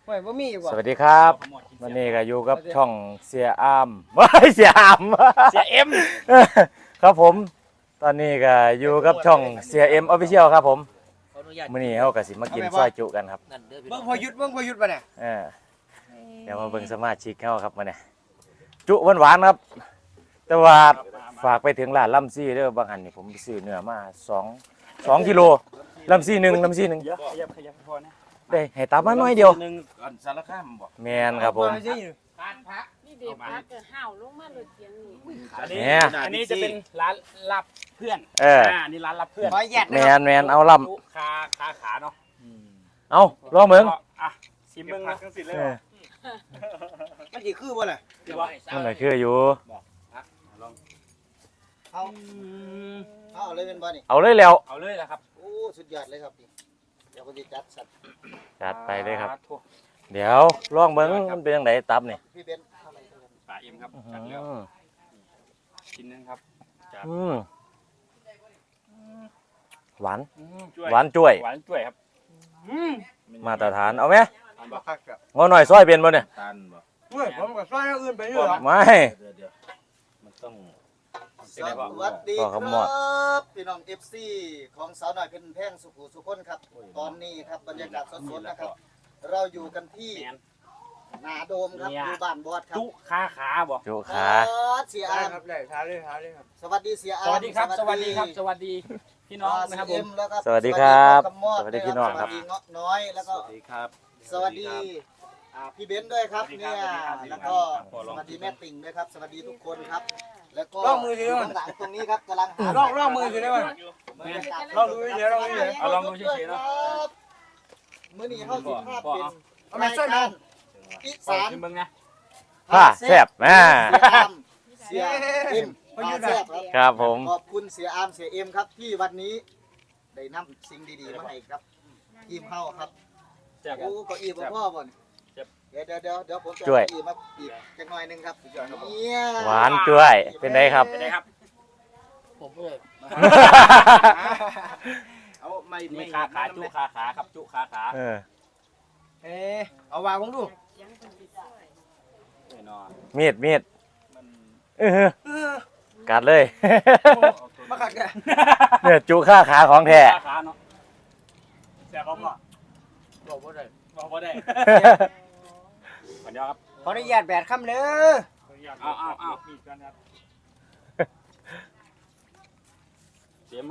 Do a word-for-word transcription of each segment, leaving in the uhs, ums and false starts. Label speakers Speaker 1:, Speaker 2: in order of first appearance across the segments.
Speaker 1: ไม่บ่มีอยู่บ่
Speaker 2: สวัสดีครับวันนี้ก็อยู่กับช่องเสียอามไม่เสียอาม
Speaker 1: เสียเอ็ม
Speaker 2: ครับผมตอนนี้ก็อยู่กับช่องเสียเอ็มออฟฟิเชียลครับผมมื้อนี้เฮาก็สิมากินซอยจุกันครับ
Speaker 1: เบิ่งพอยุดเบิ่งพอยุดป่ะเนี่ย
Speaker 2: เออเดี๋ยวมาเบิ่งสมาชิกเฮาครับมื้อนี้จุหวานๆครับ แต่ว่าฝากไปถึงร้านลำซี่เด้อบางหันนี่ผมไปซื้อเนื้อมาสอง สองกิโลลำซี่หนึ่งลำซี่หนึ่ง
Speaker 1: ขยับขยับพอนะ
Speaker 2: ได้ให้ตามมาหน่อยเดียว
Speaker 3: นึงก่อนสารคามบ่
Speaker 2: แม่นครับผม
Speaker 1: การพัก
Speaker 4: นี่เด็กพักก็ห้าวลงมาเลยเสียงนี่
Speaker 1: อันนี้
Speaker 2: เนี่ย
Speaker 1: อันนี้จะเป็นร้านรับเพื่อน
Speaker 2: เออ
Speaker 1: อันนี้ร้านรับเพื่อน
Speaker 2: แมนแมนเอาล
Speaker 1: ลูกค้าค้าขาเนาะ
Speaker 2: ำเอาลองเบิ่ง
Speaker 1: อ่ะชิมเบิ่งนะ
Speaker 2: เออ
Speaker 1: มันสิคือบ่ล่ะ
Speaker 2: มันก็คืออยู่
Speaker 5: เอาเอาเลยเป็นบ่นี่
Speaker 2: เอาเลยแล้ว
Speaker 1: เอาเลยนะครับ
Speaker 5: โอ้สุดยอดเลยครับนี่เดี๋ยวก็จะจัดสัตว์
Speaker 2: จัดไปเลยครับ
Speaker 1: ทั่ว
Speaker 2: เดี๋ยวลองเบิ่งมันเป็นยังไงตับนี่
Speaker 5: พี่เบนซ์
Speaker 1: ปลาเอ็มครับ
Speaker 2: อื
Speaker 1: จัดแล้ว
Speaker 2: ม
Speaker 1: ชิ้นนึงครับจัด
Speaker 2: อืมหวาน
Speaker 1: อืม
Speaker 2: หวานจ้วย
Speaker 1: หวานจ้วยครับอืม
Speaker 2: มาตรฐานเอาไหม
Speaker 5: บ่คักครับ
Speaker 2: งอหน่อยซอยเป็นบ่เนี่ย
Speaker 3: ตันบ่
Speaker 1: เฮ้ยผมก็ซอยอื่นไปอยู่หรอ
Speaker 2: ไม่
Speaker 3: เดี๋ยวเดี๋ยวมันต้อง
Speaker 5: สวัสดี
Speaker 2: ต่อ
Speaker 5: ค
Speaker 2: คำหมอด
Speaker 5: รับพี่น้อง เอฟ ซี ของสาวน้อยเพ็ญแพงสุขุสุคนครับ ตอนนี้ครับบรรยากาศสดๆนะครับ เราอยู่กันที่
Speaker 1: แมน
Speaker 5: นาโดมครับ
Speaker 1: เนี่ย
Speaker 5: อยู่บ้านบอดครับ
Speaker 1: จุค้าขาบ่
Speaker 2: จุ
Speaker 5: บ
Speaker 2: ขา
Speaker 5: อสเสียอาม
Speaker 1: เลยท้าเลยท้าเลยครับ
Speaker 5: สวัสดีเสียอา
Speaker 1: ส
Speaker 5: ม
Speaker 1: วัสดีครับ สวัสดีครับ สวัสดีพี่น้อง
Speaker 5: อ่า
Speaker 1: นะครับผ
Speaker 5: เอ็
Speaker 1: ม
Speaker 5: มแล้วก็
Speaker 2: สวัสดีครับ
Speaker 5: สวัสดี
Speaker 2: สวัสดีพี่น้องครับ
Speaker 5: สวัสดีเงาะน้อยแล้วก็
Speaker 3: สวัสดีครับ
Speaker 5: สวัสดีอ่าพี่เบนซ์ด้วยครับ
Speaker 1: สวัสดี
Speaker 5: เนี่
Speaker 1: ค
Speaker 5: ย
Speaker 1: รับสวัสดีครับ
Speaker 5: แล้วก็
Speaker 1: ขอ
Speaker 5: ส
Speaker 1: ลอง
Speaker 5: วัสดีแม่ติ่งด้วยครับ สวัสดีทุกคนครับ แล้วก็
Speaker 1: ลองมือสิ
Speaker 5: ยู่ข้างหลังตรงนี้ครับกำลังหา
Speaker 1: ลองลองมือสิได้ไหม
Speaker 5: บรรยากาศ
Speaker 1: ลองดูเฉยๆลองดูเฉยๆเอาลองดูเฉยๆเนอะ
Speaker 5: ครับมื้อนี้เฮาสิภาพเป็น
Speaker 1: เอาแม่ช่วยหน่อย
Speaker 5: อี
Speaker 1: สา
Speaker 5: สาม น
Speaker 1: เบิ่งนะ
Speaker 2: ผ้าแซ่บแม่
Speaker 5: เสียอามเสียเอ็มพาแซ่บครับ
Speaker 2: ครับผม
Speaker 5: ขอบคุณเสียอามเสียเอ็มครับที่วันนี้ได้นำสิ่งดีๆมาให้ครับทีมเฮาครับ
Speaker 1: แซ่บ
Speaker 5: โอ้เก็อีบ่พ่อบ่นี่
Speaker 1: เจ็บ
Speaker 5: เดี๋ยวเดี๋ยวเดี๋ยวเดี๋ยวผมจะ
Speaker 2: ช่วย
Speaker 5: เก้าอี้มาอีกจักหน่อยหนึงครับเนี่ย
Speaker 2: หวานจ้วยเป็นไงครับ
Speaker 1: เป็นไงครับ
Speaker 5: ผมเลย
Speaker 3: เอาไม่
Speaker 1: นี่
Speaker 3: ไม่
Speaker 1: ขาขาจุขาขาครับจุขาขา
Speaker 2: เออ
Speaker 1: เอ๊เอาวางผมดู
Speaker 4: เสียงคนติดซอย
Speaker 1: แน่นอน
Speaker 2: มีดมีด
Speaker 1: มัน
Speaker 2: เออกัดเลย
Speaker 1: มาขัดกัน
Speaker 2: เนี่ยจุค่าขาของแท้
Speaker 1: ขาขาเนาะแซ่บบ่พ่อ
Speaker 5: บอกว่าได้
Speaker 1: บอกบ่ได้ขอเดียวครับ
Speaker 5: ขออนุญาตแบดคำเด้อ
Speaker 1: เอาเอาเอาเสียมัน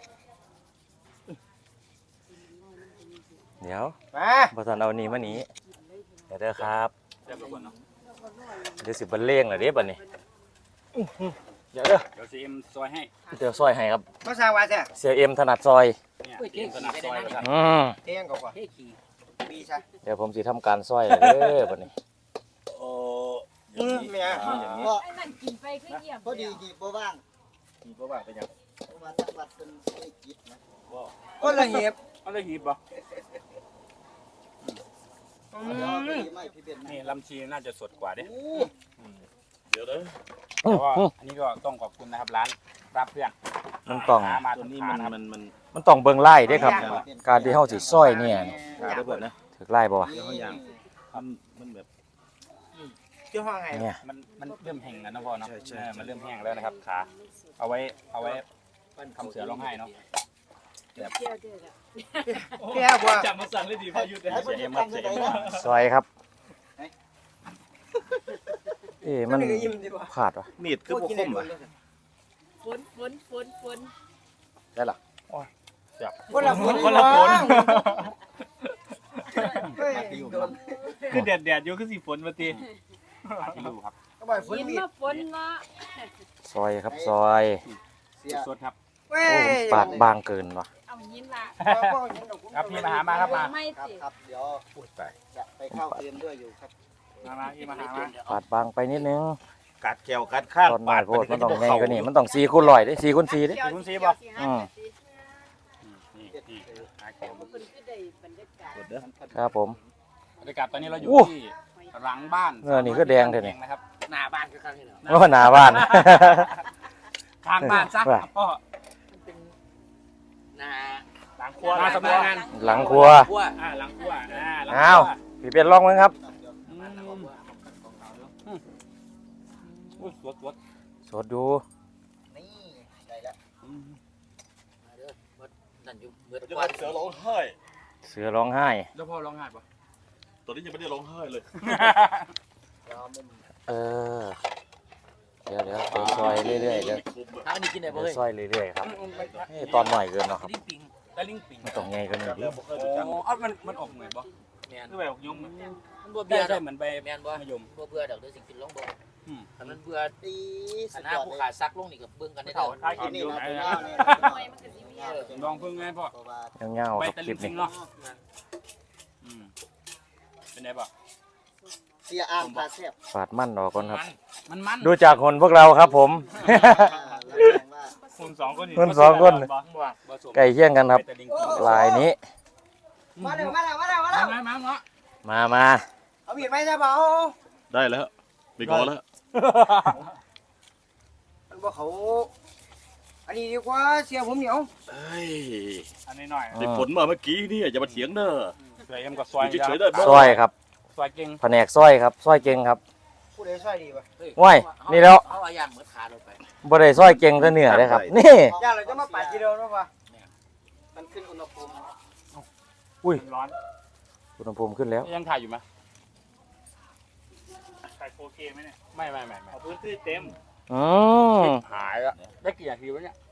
Speaker 2: เดี๋ยว
Speaker 5: มา
Speaker 2: บอสันเอานี่มานี้เดี๋ยวเด้อครับ
Speaker 1: แซ่บทุกคนเนาะ
Speaker 2: เดี๋ยวสิบันเลงเหรอเด้บัดนี้เดี๋ยวเด้อ
Speaker 1: เดี๋ยวซีเอ็มซอยให้
Speaker 2: เดี๋ยวซอยให้ครับ
Speaker 5: มาสร้างว่าแท้
Speaker 2: เสียเอ็มถนัดซอย
Speaker 1: เนี่ยซีเอ็มถนัดซอยเลยครับ
Speaker 2: อืม
Speaker 5: เที่ยงกว่าเฮ้ยขี่ปีซะ
Speaker 2: เดี๋ยวผมสิทำการซอยเลยเด้อบัดนี้
Speaker 3: โอ้
Speaker 5: อือแม่
Speaker 3: อย่างนี้
Speaker 5: ก็
Speaker 4: ไอ้นั่นกินไปคือเยี่ยม
Speaker 5: พอดีหยิบบ่ว่าง
Speaker 3: มีประวัติเป็นยัง
Speaker 5: เพราะว่าจังหวัดเป็นไม่กิจนะ
Speaker 1: ก็ละเหียบก็ละหีบบ่
Speaker 5: เดี๋ยวพี่ไม่พี่เบนซ์
Speaker 1: นี่ลำชีน่าจะสดกว่าเด้
Speaker 5: โอ้
Speaker 3: เดี๋ยวเด้อ
Speaker 1: แต่ว่าอันนี้ก็ต้องขอบคุณนะครับร้านรับเพื่อน
Speaker 2: มันต้อง
Speaker 1: หามา
Speaker 3: ตัว
Speaker 1: ทุก
Speaker 3: นี้
Speaker 1: ทา
Speaker 3: มัน
Speaker 1: นะครับ
Speaker 3: มันมัน
Speaker 2: มันต้องเบิ่งไล่เด้ครับ การที่เฮาสิซอยเนี่ย
Speaker 3: ขาได้เบิดนะ
Speaker 2: ถึกไล่บ่วะ
Speaker 3: เดี๋ยวเขาอย่างมันมันแบบ
Speaker 5: เจ้าห้องไง
Speaker 2: เนี่ย
Speaker 1: มันมันเริ่มแห้งแล้วนะพ่อเนาะ
Speaker 3: ใช่ใช่
Speaker 1: เออมันเริ่มแห้งแล้วนะครับขาเอาไว้เอาไว้ทำเสือร้องไห้เนาะ
Speaker 4: เที่ยวเที่ยวเด้อ
Speaker 5: แก้วว่า
Speaker 1: จับมาสั่งเลยดีพอยุดเลย
Speaker 5: ให้
Speaker 1: เสี
Speaker 5: เพิ่
Speaker 1: ย
Speaker 5: น
Speaker 1: เอ็มครับ
Speaker 5: ทำ
Speaker 1: เสี
Speaker 5: จั
Speaker 1: ย
Speaker 5: ง
Speaker 1: เอ็
Speaker 5: ได
Speaker 1: ม
Speaker 5: เนาะ
Speaker 2: ซอยครับเอ๊ะมันพลาดวะ
Speaker 3: มีดคือพวกคมอ่ะ
Speaker 4: ฝนฝนฝนฝน
Speaker 2: ได้ล่ะ
Speaker 5: คนละฝน
Speaker 1: คนละฝน
Speaker 5: เฮ้ย
Speaker 1: คือแดดแดดอยู่คือสีฝนมาตีที่อยู่ครับ
Speaker 5: ก็บ่ฝน
Speaker 4: กิน
Speaker 5: มีด
Speaker 4: มาฝนเนาะ
Speaker 2: ซอยครับซอย
Speaker 5: เสีย
Speaker 1: สดครับ
Speaker 5: เว้
Speaker 2: โอ้
Speaker 5: ย
Speaker 2: มันปาดบางเกินว่ะ
Speaker 4: เอายินละ
Speaker 1: ครับพี่มาหามาครับมา
Speaker 4: ไม่
Speaker 5: ครับ
Speaker 4: ติ
Speaker 5: ครับเดี๋ยว
Speaker 3: พูดไป
Speaker 5: จะไปเข้าเรียนด้วยอยู่ครับ
Speaker 1: มามาพี่มาหามา
Speaker 2: ปาดบางไปนิดนึง
Speaker 3: กัดแก้วกัดข้าง
Speaker 2: ตอนน้อยโพดมันต้องใหญ่กว่านี้มันต้องสี่คูณร้อยเด้สี่คูณสี่เด้
Speaker 1: คุณซีบอก
Speaker 2: อืม
Speaker 1: นี่นี่หาเข็ม
Speaker 4: คนคือได้บรรยากาศ
Speaker 3: กดเด้อ
Speaker 2: ครับผม
Speaker 1: บรรยากาศตอนนี้เราอยู่
Speaker 2: โอ้
Speaker 1: ที่หลังบ้าน
Speaker 2: เออนี่ก็แดงเถอะนี่
Speaker 1: นะครับ
Speaker 5: หน้าบ้านคือกันนี่เนาะ
Speaker 2: โอ้หน้าบ้าน
Speaker 1: ข้างบ้านซะ
Speaker 2: ว่า
Speaker 1: พ่อ
Speaker 5: หน้า
Speaker 1: หลังครัวหน้าสำนักงาน
Speaker 2: หลังครัว
Speaker 5: ขั้ว
Speaker 1: อ่าหลังครัวอ่าหลัง
Speaker 2: อ้าว
Speaker 1: ค
Speaker 2: พี่เป็นลองมั้งครับ
Speaker 1: อุ้ยสดสด
Speaker 2: สดดู
Speaker 5: นี่ได้แล้ว
Speaker 6: มาเด้อบ่นั่นอยู่เบิด
Speaker 3: จะ
Speaker 6: กว่า
Speaker 3: เสือร้องไห้
Speaker 2: เสือร้องไห้
Speaker 1: แล้วพ่อร้องไห้ปะ
Speaker 3: ตอนนี้ยังไม่ได้ร้องไห้เลย
Speaker 2: เออเดี๋ยวเดี๋ยวเดี๋ยวซอยเรื่อยๆเดี๋ยว
Speaker 6: ถ้าอันนี้กินได้บ่
Speaker 2: เดี๋ยว
Speaker 6: เฮ้ย
Speaker 2: ซอยเรื่อยๆครับนี่ตอนหน่อยเกินเนาะครับ
Speaker 6: ลิ้นปิง
Speaker 1: แต่ลิงปิง
Speaker 2: มันต้องไงกันหน่อยดิ
Speaker 1: โอ้เอามันมันออกเหมือนบ่
Speaker 6: แม่น
Speaker 1: คือแบบออกยม
Speaker 6: มันบ่
Speaker 1: เบี้
Speaker 6: เบื่
Speaker 1: ย
Speaker 6: อด
Speaker 1: ใช่
Speaker 6: อก
Speaker 1: เหมือนใบ
Speaker 6: แม่นบ่
Speaker 1: มะยม
Speaker 6: บ่เบื่อดอกเด้อสิกินลองบ่
Speaker 1: อืม
Speaker 6: ถ้ามันเบื่อ
Speaker 5: ดี
Speaker 6: ค
Speaker 5: สุด
Speaker 6: ณะ
Speaker 5: ยอด
Speaker 6: ผู้
Speaker 5: เลย
Speaker 6: ขาซักลงนี่ก็เบิ่งกันได้
Speaker 1: เท่า
Speaker 6: เด้อ
Speaker 1: ท้าย
Speaker 5: อั
Speaker 1: กิ
Speaker 5: น
Speaker 1: น
Speaker 5: นี้
Speaker 1: อยู่
Speaker 5: นะ
Speaker 1: ไหน
Speaker 5: ตัว
Speaker 1: นะ
Speaker 5: ยาวเนี่ย
Speaker 4: หน่วยมันก็สิมีอ่ะ
Speaker 1: ลองเพิ่งไงพ่อ
Speaker 5: เพราะว่า
Speaker 2: เงาๆ
Speaker 1: ใบ
Speaker 2: ครับ
Speaker 1: ตะ
Speaker 2: ค
Speaker 1: ลิ
Speaker 2: ลิ
Speaker 1: ง
Speaker 2: ป
Speaker 1: ปิ
Speaker 2: นี้
Speaker 1: งเนาะอืมเป็นไงบ่
Speaker 5: เสียอามตาแซ่บ
Speaker 2: ฝาดมั่นออกก่อนครับ
Speaker 1: มันมัน
Speaker 2: ดูจากคนพวกเราครับผม
Speaker 5: อ่าแล้วแสดงว่า
Speaker 1: คนสองคน
Speaker 2: คนสองคน
Speaker 1: บ่บ่สม
Speaker 2: ใกล้เคียงกันครับ
Speaker 1: ใตะลิงปิง
Speaker 2: ลายนี้
Speaker 5: มาเร็วมาเร็วมาเร็วมาเร็ว
Speaker 1: มามาเนาะ
Speaker 2: มามา
Speaker 5: เอามีดไหมจ๊ะเบา
Speaker 3: ได้แล้วไปกอแล้ว
Speaker 7: มันบอกเขาอันนี้ดีกว่าเสียผมเหนียว
Speaker 3: เฮ้ย
Speaker 1: อันนี้หน่อย
Speaker 3: ได้ผลมาเมื่อกี้นี่อย่ามาเถียงเด้อ
Speaker 1: เดี๋ยวเอ็มกับซอย
Speaker 3: อยู่เฉยๆได้บ่
Speaker 2: ซอยครับ
Speaker 1: ซอยเก่ง
Speaker 2: แผนกซอยครับซอยเก่งครับ
Speaker 7: ผู้ใดช่วยดีวะ
Speaker 6: เฮ้ย
Speaker 2: ว้ายนี่แล้ว
Speaker 6: เอาเอาอย่างเหมือนขาลงไป
Speaker 2: บ่ได้ซอยเก่งแต่เนื้อเลยครับ นี่
Speaker 7: ย่าเราจะมาปาดทีเดียวนะวะ
Speaker 5: มันขึ้นอุณหภูมิ
Speaker 2: อุ้ย
Speaker 1: มันร้อน
Speaker 2: อุณหภูมิขึ้นแล้ว
Speaker 1: ยังถ่ายอยู่ไหมถ่ายโฟเคไหมเนี่ยไม่ไม่ไม่เอาพื้นที่เต็ม
Speaker 2: อืม
Speaker 1: หายแล้วได้กี่นาทีวะเนี่ย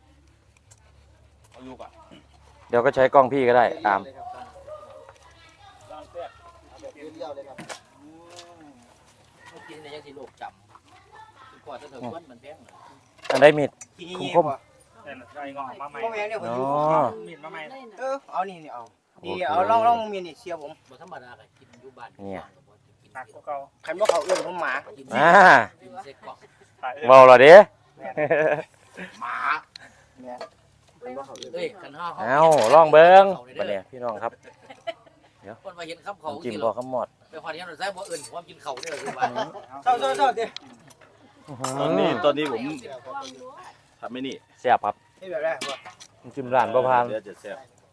Speaker 1: เอาลูกอ่ะ
Speaker 2: เดี๋ยวก็ใช้กล้องพี่ก็ได้ตาม
Speaker 5: เลยครับ
Speaker 1: ลองเสีย
Speaker 5: เอาแบบเรียวๆเลยครับอืม
Speaker 6: เมื่อกินได้ยังสิโลกจำคือก่อนจะเถิดคนมันแพงเลย
Speaker 2: อันได้มีด
Speaker 7: กิน
Speaker 2: คุ้ม
Speaker 7: ยี่
Speaker 2: คม
Speaker 7: ๆป่ะ
Speaker 1: แต่ใช่งอมาใหม่
Speaker 7: พ่อแม่เนี่ยผม
Speaker 2: อ๋
Speaker 7: อยู่
Speaker 2: อ
Speaker 1: มีดมาใหม่
Speaker 4: ได้นะ
Speaker 7: เออเอานี่นี่เอา
Speaker 2: โอ
Speaker 7: นี่
Speaker 2: เค
Speaker 7: เอาลองลองมีนี่เสียผม
Speaker 6: บ่ธรรมดาก็กินอยู่บ้าน
Speaker 2: เนี่ย
Speaker 1: หนักกว่าเก่า
Speaker 7: ขันว่าเขาเอื้อนผมหมา
Speaker 6: กิน
Speaker 2: อ่า
Speaker 6: กินเซ็กกล่อง
Speaker 1: ถ่าย
Speaker 2: เบาเหรอเด้
Speaker 6: หมา
Speaker 7: เนี่ย
Speaker 6: เอ้ยคันห้า
Speaker 2: เอ้าลองเบิ้งบัดเนี่ยพี่น้องครับ
Speaker 6: คนมาเห็นคำเขา
Speaker 2: น้ำจิ้ม
Speaker 6: ที่
Speaker 2: พอ
Speaker 6: เรา
Speaker 2: คำหมด
Speaker 6: ไปพอที่เราใช้บ่เอิ้นความกินเขาเนี่ยคือบ้าน
Speaker 7: เศร้าเศร้าเศร้าดิ
Speaker 3: ตอนนี้ตอนนี้ผม
Speaker 4: ความรู้
Speaker 3: ทำไม่นี่
Speaker 2: แซ่บครับ
Speaker 7: นี่แบบแรกป่ะ
Speaker 2: น้ำจิ้มร้านประพาน
Speaker 3: เดี๋ยวจะแซ่บ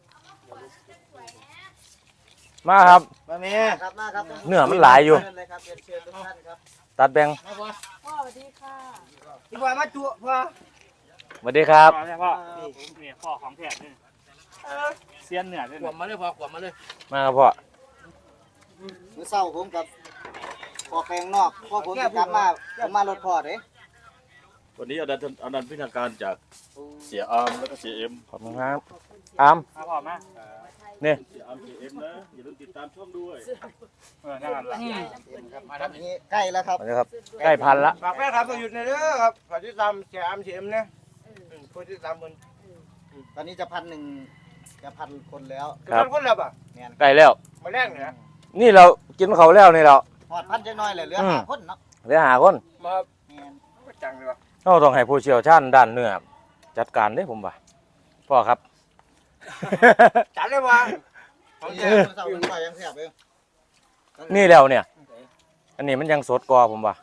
Speaker 2: มาครับ
Speaker 7: มาแม่
Speaker 5: ครับมาครับ
Speaker 2: เนื้อมันหลายอยู่
Speaker 5: เชิญเลยครับเรียนเชิญทุกท่านครับ
Speaker 2: ตัดแบ่ง
Speaker 6: มาบ่
Speaker 4: พ่อสวัสดีค่ะ
Speaker 7: ที่ว่ามาตัวพ่อ
Speaker 2: สวัสดีครับ
Speaker 1: พ่อใช่พ่อนี่พ่อของแท้นี่เซียนเหนือด้วย
Speaker 6: ขวมมาเลยพอขวมมาเลย
Speaker 2: มาครับพ่อ
Speaker 5: มื้อเช้าผมกับพอแปลงนอกพ่อผมจะกลับมาผมมารถพอเด้
Speaker 3: วันนี้เอาดันเอาดันพิธาการจากเสียอาร์มแล้วก็เสียเอ็ม
Speaker 2: ขอบคุณครับอาม
Speaker 1: มาพ่อมา
Speaker 2: นี่
Speaker 3: เสียอาร์มเสียเอ็มนะอย่าลืมติดตามช่องด้วย
Speaker 1: เออนั่นแหละ
Speaker 6: มาทำ
Speaker 5: อันนี้ใกล้แล้วครับ
Speaker 2: สวัสดีครับใกล้พันละ
Speaker 7: ฝากแม่ครับตัวหยุดในอยเด้อครับฝากที่ตามเสียอามเสียเอ็มเนี่ยคนที่ตามคน
Speaker 5: ตอนนี้จะพันหนึ่งจะพันคนแล้ว
Speaker 7: คือคนคนละป่ะ
Speaker 5: แม่น
Speaker 2: ใกล้แล้ว
Speaker 7: มาแรกเนี่ย
Speaker 2: นี่เรากินเขาวแล้วนี่เรา
Speaker 5: หอดพันจังน้อยเลยเหลือ
Speaker 2: อืม
Speaker 5: ห้าคนเนาะ
Speaker 2: เหลือหาคน
Speaker 7: มา
Speaker 5: แม่น
Speaker 7: จังเลยว่ะ
Speaker 2: เราต้องให้ผู้เชี่ยวชาญด้านเนื้อจัดการเด้ผมว่าพ่อครับ
Speaker 7: จัดเลยว่ะ
Speaker 5: ของแท้มื้อเช้าผมก็ยังแซ่บเอง
Speaker 2: นี่แล้วเนี่ย อันนี้มันยังสดกว่าผมว่า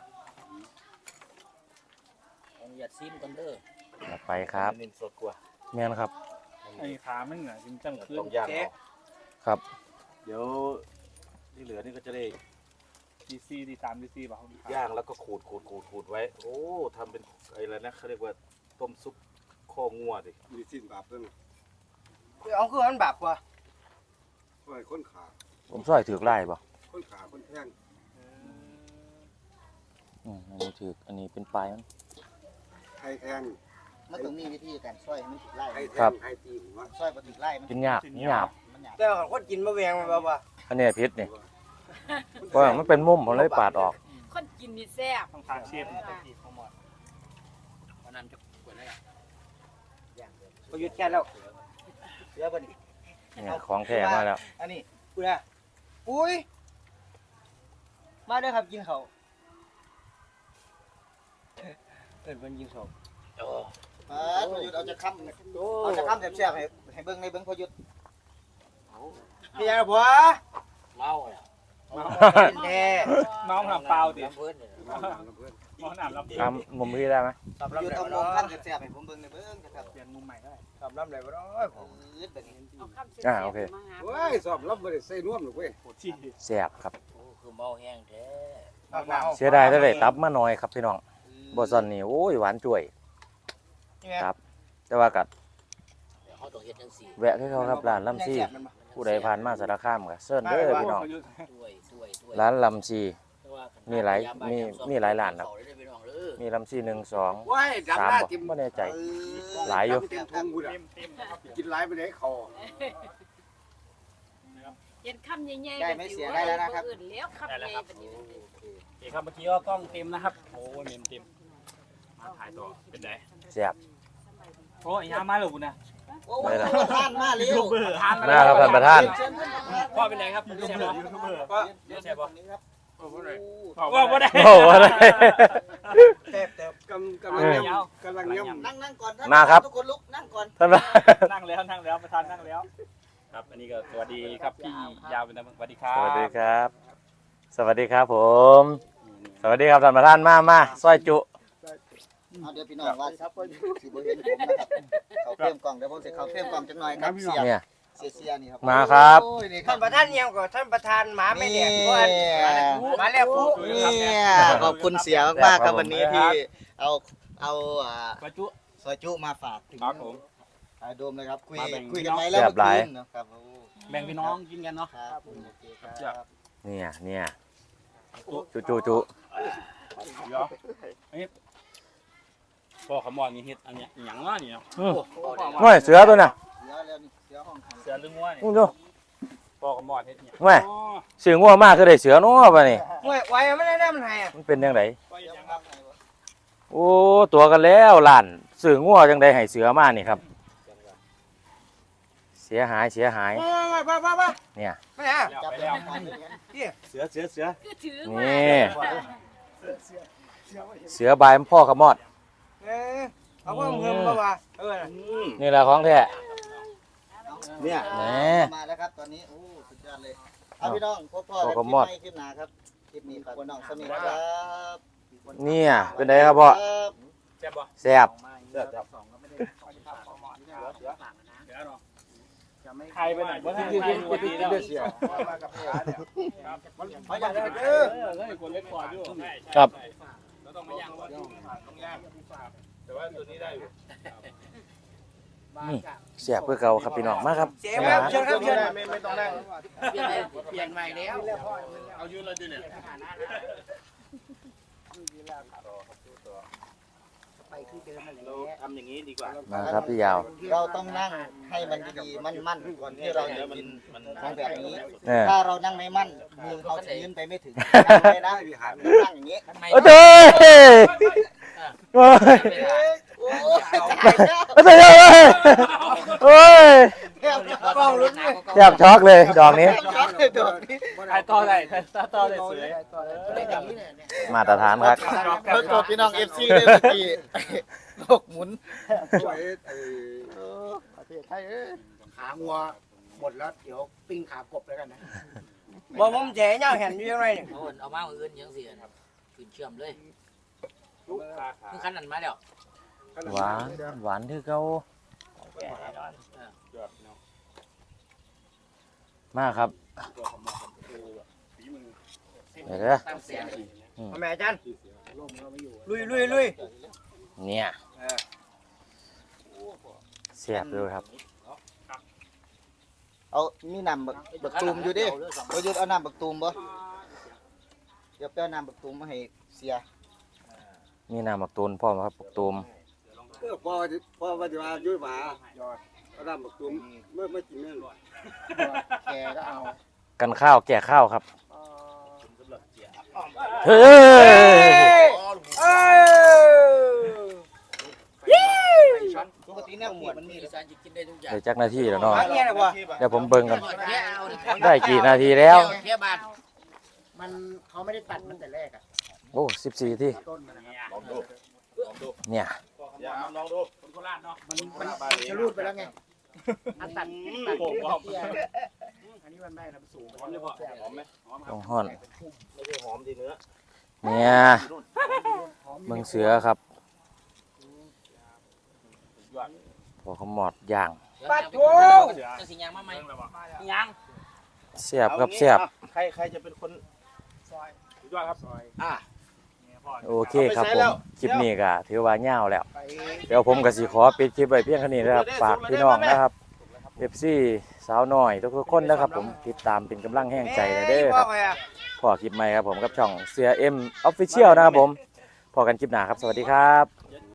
Speaker 6: ของหยัดซิมกันเด้อ
Speaker 2: จัดไปครับ
Speaker 3: นินสดกว่า
Speaker 2: แม่นครับ
Speaker 1: ไอ้ขามันเหนือจริงจังขึ้น
Speaker 3: ต้องย่างเอา
Speaker 2: ครับ
Speaker 3: เดี๋ยวที่เหลือนี่ก็จะได้
Speaker 1: ดีซีดีสามดีซีป่ะ
Speaker 3: ย่างแล้วก็ขูดขูดขูดขูดไว้ โอ้ทำเป็นอะไรนะเขาเรียกว่าต้มซุปข้องัวดิ
Speaker 8: มีสิ้นบาปเพิ่ง
Speaker 7: เอาคือมันบาปว่ะ
Speaker 8: ช่วยคนขา
Speaker 2: ผมซอยถือกไล่ป่ะ
Speaker 8: คนขาคนแท่ง
Speaker 2: อืมอันนี้ถือกอันนี้เป็นปลายมัน
Speaker 8: ไทยแทง
Speaker 5: มันต้องมีวิธีการช่วยให้มันถึกไล่
Speaker 8: ไทยแท
Speaker 2: ครับ
Speaker 8: งไทยตีหัว
Speaker 5: ช่วยบ่ถึกไล่มัน
Speaker 2: กินยากนี่หยาบ
Speaker 5: มันหยาบ
Speaker 7: แต่ว่าคนกินมาแวงมันป่ะ
Speaker 2: อันนี้พิษนี่เพราะว่ามันเป็นมุมผมเลยปาดออก
Speaker 4: คนกินนี่แซ่บ
Speaker 1: ต้องทานเชฟตะกี้เขาหมด
Speaker 6: วันนั้นจะกวนได้
Speaker 7: ประยุทธ์แค่แล้ว
Speaker 5: เหลือบ่นี่
Speaker 2: เนี่ยของแท้มาแล้ว
Speaker 5: อันนี้
Speaker 7: กูนะอุ้ยมาเด้อครับกินเขาวเอิ้นเพิ่นกินเขาว
Speaker 6: โอ้
Speaker 5: อ่าพอหยุดเอาจะค้ำเอาจะค้ำแซ่บๆให้ให้เบิ่งในเบิ่งพอหยุด
Speaker 7: พี่ยังผัว
Speaker 6: เมาอ่ะ
Speaker 7: แท้
Speaker 1: น้องทำเปล่าดิ
Speaker 6: เพิ่นเนี่ย
Speaker 8: น้ำน้ำเพื่อน
Speaker 7: อี
Speaker 1: มองหน้าลำดี
Speaker 2: ตามมุมพี่ได้ไหม
Speaker 7: ตอบ
Speaker 5: อ
Speaker 7: รับ
Speaker 5: ยู่
Speaker 7: ได้
Speaker 5: ตรง
Speaker 7: บ่
Speaker 5: มุม
Speaker 7: เนาะ
Speaker 5: ขั้นกระแสให้ผมเบิ่งในเบิ่งนะครับ
Speaker 1: เปลี่ยนมุมใหม่ได้
Speaker 7: ตอบรับได้บ่เนาะผม
Speaker 5: อืดแบบนี้
Speaker 4: เอาคำเสีย
Speaker 2: อ่าโอเค
Speaker 4: มาหา
Speaker 8: เว้ยสอบรับบ่ได้ใส่น่วมหรอกเว้ย
Speaker 1: ที่
Speaker 2: แซ่บครับ
Speaker 6: โอ้คือเมาแห้งแท้
Speaker 7: เอามาเอา
Speaker 2: เสียดายได้เลยตับมาหน่อยครับพี่น้องบ่ซันนี่โอ้ยหวานจ่วย
Speaker 7: นี่ไง
Speaker 2: ครับ แต่ว่ากัด
Speaker 6: เดี๋ยวเขาต้องเฮ็ดจังซี่
Speaker 2: แวะให้เขาครับร้านลำซีผู้ใดผ่านมาสารคามก็เชิญเด้อพี่น้อง
Speaker 6: ช่วยช่วยช่วย
Speaker 2: ร้านลำซี
Speaker 6: แต่ว่า
Speaker 2: มีหลายมีมีหลายร้านครับ
Speaker 6: เขได้พี่น้องเด้อ
Speaker 2: มีลำซีหนึ่งสอง
Speaker 8: ว้ายดำ
Speaker 2: สาม
Speaker 8: หน้า
Speaker 2: บ่
Speaker 8: จิ้ม
Speaker 2: ไม่แน่ใจ
Speaker 5: เออ
Speaker 2: หลายอยู่
Speaker 8: เต็มพุงกูน่ะ
Speaker 1: เต็มเต็มนะครับ
Speaker 8: กินหลายไปได้คอ
Speaker 4: เห็นคำใหญ่ๆ
Speaker 5: ได้ไหมเสียได้แล้วนะครับ
Speaker 4: อื่นแล้วคำใหญ่แบบนี้
Speaker 1: โอเคครับเมื่อกี้ก็กล้องเต็มนะครับโอ้ยเต็มเต็มมาถ่ายต่อเป็นไง
Speaker 2: แซ่บ
Speaker 1: โอ้ยยามาหรือกูนะ
Speaker 5: โอ้ยประธานมาเร็ว
Speaker 1: ทาน
Speaker 2: มาครับท่านประธาน
Speaker 5: เชิญท่านประธาน
Speaker 1: พ่อเป็นไงครับยูทูบเบอร์ยูทูบเบอร์ก็แชร์บอ
Speaker 5: นี้ครับ
Speaker 1: ว่าบ่ได้
Speaker 2: โอ้โหอะไร
Speaker 7: เต็บเต็บ
Speaker 8: กำกำลังย่ำกำลังย่ำ
Speaker 5: นั่งนั่งก่อนท่าน
Speaker 2: มาครับ
Speaker 5: ทุกคนลุกนั่งก่อน
Speaker 2: ท่านประธาน
Speaker 1: นั่งแล้วนั่งแล้วประธานนั่งแล้ว ครับอันนี้ก็สวัสดีครับพี่ยาวเป็นสวัสดีครับ
Speaker 2: สวัสดีครับ สวัสดีครับผม สวัสดีครับท่านประธานมามาซอยจุ
Speaker 5: เอาเดี๋ยวพี่น้องว่าสิบ่เห็นผมนะครับเขาเพิ่มกล่องเดี๋ยวผมสิเขาเพิ่มกล่องจังหน่อยครับเสีย
Speaker 2: เนี่ย
Speaker 5: เสียเสียนี่ครับ
Speaker 2: มาครับ
Speaker 5: โอ้ยนี่ค
Speaker 7: ท่า
Speaker 5: รับ
Speaker 7: นประธานเยี่ยมกว่าท่านประธานหมาไม่แดกก่อน
Speaker 5: นี่
Speaker 7: มาแล้วปุ๊
Speaker 5: เนี่ยขอบคุณเสียมากๆครับวันนี้ที่เอาเอาอ่า
Speaker 1: ประจุ
Speaker 5: ซอยจุมาฝากถึง
Speaker 1: ครับผม
Speaker 5: ถ่ายโดมเลยครับคุย
Speaker 1: มาแบ่ง
Speaker 5: คุยกันไว้แล้ว
Speaker 2: แซ่
Speaker 5: เมื่
Speaker 2: บหลาย
Speaker 5: อคืนนะครับโอ้
Speaker 1: แบ่งพี่น้องกินกันเนาะ
Speaker 5: ครับโอเคครับ
Speaker 2: เนี่ยเนี่ยจุจุจุ
Speaker 1: เดี๋ยวอันนี้พ่อขมอนนี่เฮ็ดอันเนี้ยหยังวะนี่เนาะ
Speaker 2: อืมน้อยเสือตัวน่ะ
Speaker 5: เสือแล้วนี่เสือห้องขัง
Speaker 1: เสือลึงวัวนี่
Speaker 2: อู้ดู
Speaker 1: พ่อขมอนเฮ็ดเนี่ย
Speaker 2: แม่เสืองัวมากคือได้เสือเนาะป่ะนี่
Speaker 7: ห่วยไว้ไม่ได้น้ำมันให้อ่ะ
Speaker 2: มันเป็นยังไง
Speaker 5: เสือห้องขัง
Speaker 2: โอ้ตัวกันแล้วหลานเสืองัวจังไดให้เสือมานี่ครับ เสียหายเสียหาย
Speaker 7: มามามามามา
Speaker 2: เนี่ย
Speaker 7: ไม่ฮะ
Speaker 1: แล้ว
Speaker 5: จับ
Speaker 1: ไป
Speaker 5: แล้
Speaker 1: แล้ว ว
Speaker 3: เสือเสือเสือ
Speaker 4: คือถือ
Speaker 2: นี่
Speaker 4: มา
Speaker 2: เสือบายพ่อขมอด
Speaker 7: เออเอาเพิ่มเพิ่มมาว่าเออ
Speaker 2: นี่แหละของแท้
Speaker 3: เนี่ย
Speaker 2: แหม
Speaker 5: มาแล้วครับตอนนี้โอ้สุดยอดเลยเอาพี่น้องพบพ่อ
Speaker 2: พ่อ
Speaker 5: กัน
Speaker 2: ข
Speaker 5: คลิป
Speaker 2: มอด
Speaker 5: ใหม่คลิปหน้าครับคลิปนี้ฝากพี่น้องสมิธครับ
Speaker 2: เนี่ยเป็นไงครับพ่อ
Speaker 5: ครับ
Speaker 1: แซ่บบ่
Speaker 2: แซ่บ
Speaker 3: เสือจับ
Speaker 1: ใครไปไหนบ่ทันใครวันนี้แล้ว
Speaker 8: เสีย
Speaker 1: ไม่อยากได้เออเฮ้ยคนเล็กกว่าอยู่
Speaker 2: ครับ
Speaker 1: เราต้องมาย่างว่าต้องย่างแต่ว่าตัวนี้ได้อยู่
Speaker 2: แซ่บเพื่อเก่าครับพี่น้องมาครับ
Speaker 7: เสียครับเชิญครับเชิญ
Speaker 3: ไม่ไม่ต้องนั่ง
Speaker 6: เปลี่ยนเปลี่ยนใหม่แล้ว
Speaker 1: เอายืนเลยดิเนี่ย
Speaker 3: เราทำอย่างนี้ดีกว่า
Speaker 2: มาครับพี่ยาว
Speaker 5: เราต้องนั่งให้มันดีๆมั่นๆก่อนที่เราจะกินของแบบนี้
Speaker 2: เนี่ย
Speaker 5: ถ้าเรานั่งไม่มั่นมือเขาจะยืนไปไม่ถึงนั่งไปนะนั่งอย่างนี้
Speaker 2: โอ้เจ้ยโอ้ย
Speaker 5: โอ้ย
Speaker 2: โอ้เจ้ยโอ้ย
Speaker 5: แทบ
Speaker 7: กล้องลุ้นเลย
Speaker 2: แทบช็อกเลยดอกนี้
Speaker 5: ช็อกเลยโดดนี้
Speaker 1: ใครต่อได้ใครต่อได้สวย
Speaker 2: มาตรฐานครับ
Speaker 5: รถตัวพี่น้องเอฟซีเลยเมื่อกี้โลกหมุน
Speaker 8: ช่วยไอ้
Speaker 5: เออประเทศไทยเอ้ย
Speaker 7: ขางัวหมดแล้วเดี๋ยวปิ้งขากบแล้วกันนะบอกผมแฉเงาเห็นอยู่ยังไงเนี่ย
Speaker 6: เอาเอามาอื่นยังเสียครับขึ้นเชื่อมเลย
Speaker 1: ลูกตาขา
Speaker 6: คือคันนั้นมาแล้ว
Speaker 2: หวานหวานที่เขา
Speaker 1: แก่แน่นอนยอดเนาะ
Speaker 2: มากครับ
Speaker 1: ตัวขมอนคือฝีมือ
Speaker 2: เดี๋ยวเด้อ
Speaker 6: ตั้งเสียง
Speaker 7: เอาแม่จันลุยลุยลุย
Speaker 2: เนี่ยแซ่บเลยครับ
Speaker 5: เอามีน้ำบักบักตูมอยู่ดิประยุทธ์เอาน้ำบักตูมบ่เดี๋ยวไปเอาน้ำบักตูมมาให้เสีย
Speaker 2: มีน้ำหมักตูนพ่อมครับหมักตูม
Speaker 8: เออพอพอว่าจะมายุ่ยหมาเอาดำบักตุ้มเมื่อไม่กินเนื้อ
Speaker 5: แกก็เอา
Speaker 2: กันข้าวแก่ข้าวครับเฮ้
Speaker 7: เอ้
Speaker 2: ย
Speaker 7: ยเอ้ย
Speaker 5: ปกติเนี่ยหมวดมันมี
Speaker 6: อีสานจะกินได้ทุกอย่าง
Speaker 2: เดี๋ยวจักนาทีแล้วเนาะ
Speaker 7: มาเนี่ยนะวะ
Speaker 2: เดี๋ยวผมเบิ่งกัน
Speaker 6: เที่ยวเอา
Speaker 2: ได้กี่นาทีแล้ว
Speaker 6: เที่ยวบาท
Speaker 7: มันเขาไม่ได้ตัดมันแต่แรกอ่ะ
Speaker 2: โอ้สิบสี่ที่
Speaker 7: ต้นมันนะครับ
Speaker 3: ลองดูลองดู
Speaker 2: เนี่ย
Speaker 3: อย่าลองดู
Speaker 1: คนโคราชเนาะมัน
Speaker 7: มันจะรูดไปแล้วไงอันตัดตัด
Speaker 1: โป่งว่า
Speaker 7: เตี้ยอันนี้มันได้นะมันสูง
Speaker 1: หอมเลยพ่อหอมไหมหอมครั
Speaker 2: ต้
Speaker 1: บ
Speaker 2: องห่อน
Speaker 3: ไม่ใช่หอมดีเนื้อ
Speaker 2: เนี่ย
Speaker 7: หอ
Speaker 2: เมืองเสือครับ
Speaker 1: ยอด
Speaker 2: พอขมอดย่าง
Speaker 7: ปัดโถ
Speaker 6: จังสิยางมาไหม
Speaker 1: ยัง
Speaker 2: เสียบครับเสียบ
Speaker 3: ใครใครจะเป็นคน
Speaker 1: ยอดครับ
Speaker 3: อ่ะ
Speaker 2: โอเคครับผมคลิปนี้ก็ถือว่ายาวแล้ว
Speaker 7: ไป
Speaker 2: เดี๋ยวผมก็สิขอปิดคลิปไว้เพียงเท่านี้นะครับฝากพี่น้องนะครับเอฟซีสาวน้อยทุกๆคนนะครับผมติดตามเป็นกำลังแห่งใจนะเด้อครับพอคลิปใหม่ครับผมกับช่องเสือเอ็มออฟฟิเชียลนะครับผมพอกันคลิปหน้าครับสวัสดีครับ